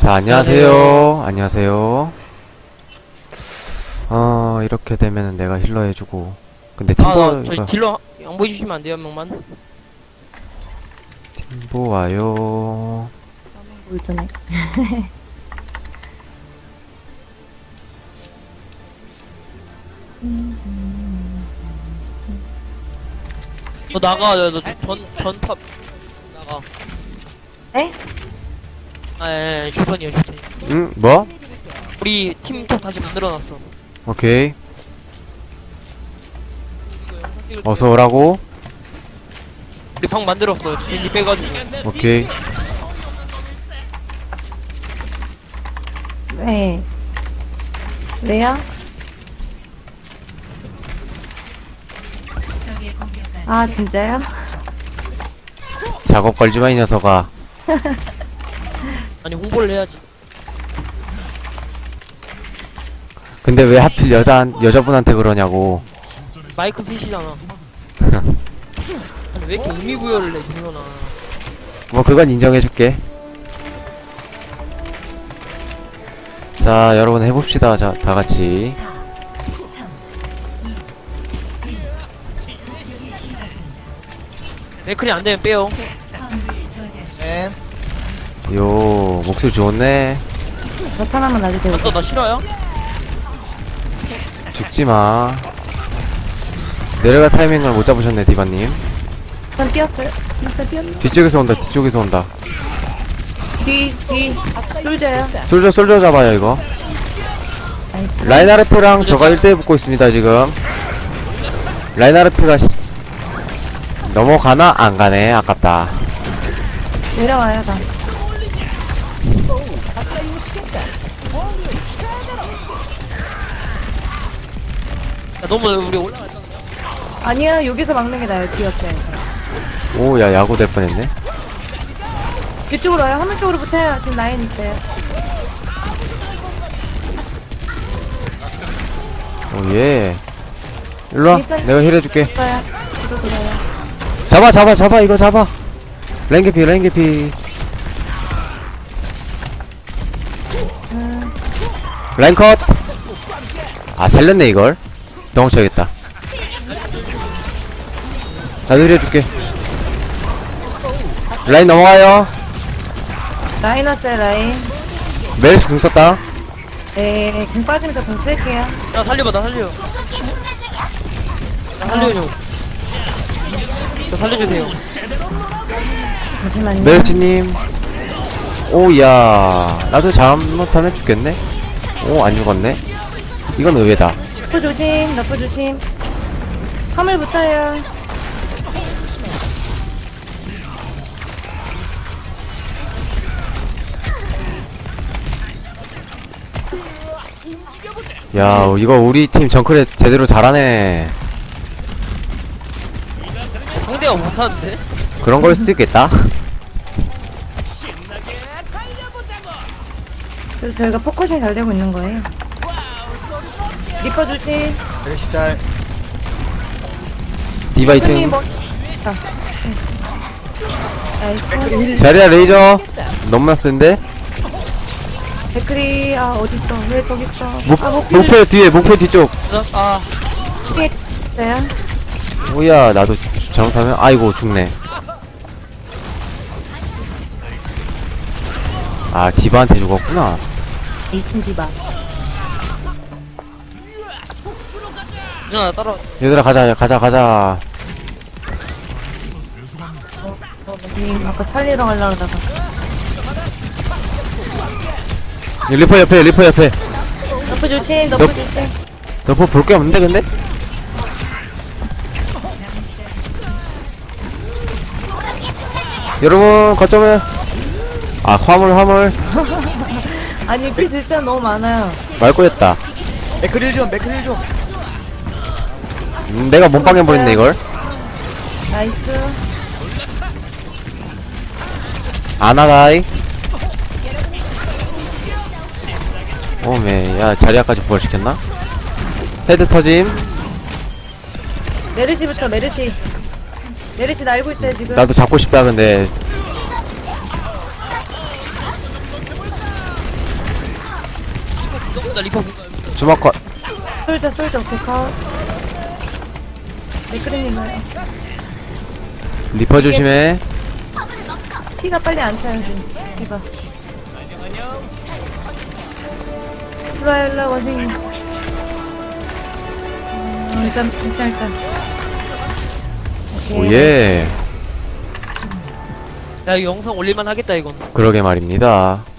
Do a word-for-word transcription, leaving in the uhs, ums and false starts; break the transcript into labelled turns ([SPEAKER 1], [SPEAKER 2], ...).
[SPEAKER 1] 자, 안녕하세요. 안녕하세요. 어, 이렇게 되면은 내가 힐러 해주고. 근데 팀보,
[SPEAKER 2] 아, 나 저희
[SPEAKER 1] 이거-
[SPEAKER 2] 딜러 양보해 주시면 안 돼요, 한 명만?
[SPEAKER 1] 팀보 와요.
[SPEAKER 3] 울드네.
[SPEAKER 2] 너 나가, 너, 너 전, 전팝 나가.
[SPEAKER 3] 에?
[SPEAKER 2] 아, 예, 예, 주턴이요, 주턴.
[SPEAKER 1] 응? 뭐?
[SPEAKER 2] 우리 팀톡 다시 만들어놨어.
[SPEAKER 1] 오케이.
[SPEAKER 2] 이거 영상 찍을 때
[SPEAKER 1] 어서 오라고.
[SPEAKER 2] 우리 방 만들었어. 겐지 빼가지고.
[SPEAKER 1] 오케이.
[SPEAKER 3] 네. 왜요? 아, 진짜요?
[SPEAKER 1] 작업 걸지마, 이 녀석아.
[SPEAKER 2] 아니, 홍보를 해야지.
[SPEAKER 1] 근데 왜 하필 여자, 여자분한테 그러냐고.
[SPEAKER 2] 마이크 핏이잖아. 아니, 왜 이렇게 의미부여를 해, 준현아.
[SPEAKER 1] 뭐, 그건 인정해줄게. 자, 여러분 해봅시다. 자, 다 같이.
[SPEAKER 2] 맥클이 안 되면 빼요.
[SPEAKER 4] 네.
[SPEAKER 1] 요, 목소리 좋네.
[SPEAKER 3] 나타나면 놔주세요.
[SPEAKER 2] 너 나 싫어요?
[SPEAKER 1] 죽지마. 내려갈 타이밍을 못 잡으셨네, 디바님.
[SPEAKER 3] 일단 뛰었어요. 일단 뛰었네.
[SPEAKER 1] 뒤쪽에서 온다, 뒤쪽에서 온다.
[SPEAKER 3] 뒤, 뒤. 쫄져요.
[SPEAKER 1] 솔저, 솔저 잡아요, 이거.
[SPEAKER 3] 나이스.
[SPEAKER 1] 라인하르트랑 저가 일 대 붙고 있습니다, 지금. 라인하르트가 시... 넘어가나? 안 가네. 아깝다.
[SPEAKER 3] 내려와요, 나.
[SPEAKER 2] 야, 너무 우리 올라갔잖아.
[SPEAKER 3] 아니야, 여기서 막는 게 나아요, 뒤였어요.
[SPEAKER 1] 오, 야, 야구 될 뻔했네.
[SPEAKER 3] 이쪽으로 와요. 화면 쪽으로 붙어요. 지금 라인 있어요.
[SPEAKER 1] 오, 예. 일로와. 내가 힐 해줄게.
[SPEAKER 3] 있어요. 뒤로 돌아요.
[SPEAKER 1] 잡아, 잡아, 잡아. 이거 잡아. 라인 개피, 라인 개피.
[SPEAKER 3] 음,
[SPEAKER 1] 라인 컷. 아, 살렸네, 이걸. 도망쳐야겠다. 나도 힐 해줄게. 라인 넘어가요.
[SPEAKER 3] 라인 왔어요, 라인.
[SPEAKER 1] 메르시 궁 썼다.
[SPEAKER 3] 네, 공 빠지면서 공 쓸게요.
[SPEAKER 2] 나 살려봐, 나 살려. 나 살려줘. 저 살려주세요.
[SPEAKER 3] 잠시만요.
[SPEAKER 1] 메르시님. 오야, 나도 잘못하면 죽겠네. 오, 안 죽었네. 이건 의외다.
[SPEAKER 3] 너프 조심, 너프 조심. 화물 붙어요.
[SPEAKER 1] 야, 이거 우리 팀 정크레 제대로 잘하네.
[SPEAKER 2] 상대가 못하는데?
[SPEAKER 1] 그런 걸 수도 있겠다.
[SPEAKER 3] 그래서 저희가 포커싱 잘 되고 있는 거예요. 리퍼 조심.
[SPEAKER 4] 메르시 잘.
[SPEAKER 1] 디바
[SPEAKER 3] 손님
[SPEAKER 1] 이 층.
[SPEAKER 3] 뭐. 아, 네. 나이스.
[SPEAKER 1] 자리야 레이저. 너무나 센데?
[SPEAKER 3] 데크리, 아, 어딨어. 왜 저기 있어.
[SPEAKER 1] 목,
[SPEAKER 3] 아, 목표
[SPEAKER 1] 목표 뒤에, 목표 뒤쪽.
[SPEAKER 2] 나, 아,
[SPEAKER 3] 뒤에 있어요.
[SPEAKER 1] 오야, 나도 주- 잘못하면, 아이고, 죽네. 아, 디바한테 죽었구나.
[SPEAKER 3] 이 층 디바.
[SPEAKER 2] 누나 따라.
[SPEAKER 1] 얘들아, 가자, 가자, 가자.
[SPEAKER 3] 님, 아까 살리러 가려고 하다가.
[SPEAKER 1] 이 리퍼 옆에, 리퍼 옆에.
[SPEAKER 3] 너프 조심, 너프
[SPEAKER 1] 너-
[SPEAKER 3] 조심.
[SPEAKER 1] 너뭐 볼 게 없는데, 근데? 여러분, 거점을. 아, 화물, 화물.
[SPEAKER 3] 아니, 그 진짜 너무 많아요.
[SPEAKER 1] 말꼬였다.
[SPEAKER 4] 맥크릴 좀, 맥크릴 좀.
[SPEAKER 1] 음, 내가 몸빵 해버렸네, 이걸.
[SPEAKER 3] 나이스.
[SPEAKER 1] 아나다이. 오메, 야, 자리아까지 부활시켰나? 헤드 터짐.
[SPEAKER 3] 메르시부터, 메르시. 메르시 날고 있어요, 지금.
[SPEAKER 1] 나도 잡고 싶다, 근데.
[SPEAKER 2] 나 리퍼 뭔가
[SPEAKER 1] 주먹 컷.
[SPEAKER 3] 솔져 솔져 오케이. 맥크리님 나요.
[SPEAKER 1] 리퍼 조심해.
[SPEAKER 3] 피가 빨리 안 차야지. 이봐. 일로와 일로와 원생님. 어, 일단 일단 일단. 오케이.
[SPEAKER 1] 오예.
[SPEAKER 2] 야 이거 영상 올릴만 하겠다 이건.
[SPEAKER 1] 그러게 말입니다.